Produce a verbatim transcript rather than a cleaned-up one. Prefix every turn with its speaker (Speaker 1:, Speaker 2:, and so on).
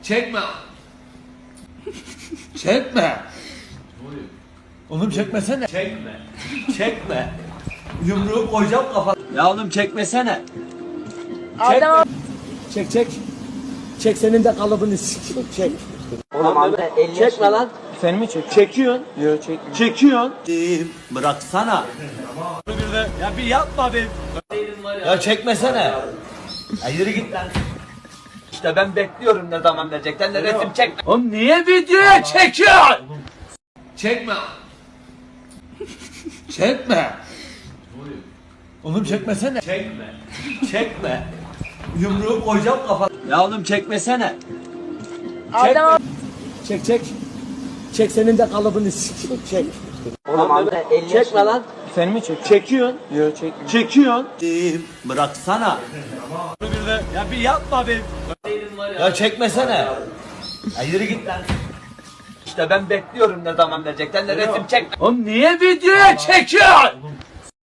Speaker 1: Çekme. Çekme. Oğlum çekmesene.
Speaker 2: Çekme. Çekme. Yumruğu koyacağım kafana. Ya oğlum çekmesene.
Speaker 3: Adam.
Speaker 1: Çek çek. Çek senin de kalıbını sikeyim. Çek.
Speaker 2: Oğlum amca elini çekme lan.
Speaker 4: Sen mi çekiyorsun?
Speaker 2: Çekiyorsun.
Speaker 4: Yok çekmiyorum.
Speaker 2: Çekiyorsun. Bıraksana. Ya bir yapma be. Ya çekmesene. Ya yürü git lan. İşte ben bekliyorum ne zaman verecekler de resim çekme.
Speaker 1: Oğlum niye videoya çekiyorsun? Çekme. Çekme. Oğlum çekmesene.
Speaker 2: Çekme. Çekme. Yumruğu koyacağım kafana. Ya oğlum çekmesene.
Speaker 3: Adam.
Speaker 1: Çek çek. Çek senin de kalıbını sikeyim. Çek.
Speaker 2: Oğlum amca elini çekme lan.
Speaker 4: Sen mi çekiyorsun?
Speaker 2: Çekiyorsun.
Speaker 4: Yok çekmiyorum.
Speaker 2: Çekiyorsun. Bıraksana. Ya bir yapma be. Ya çekmesene. Ya yürü git lan. İşte ben bekliyorum ne zaman verecekler de resim çekme.
Speaker 1: Oğlum niye videoya çekiyorsun?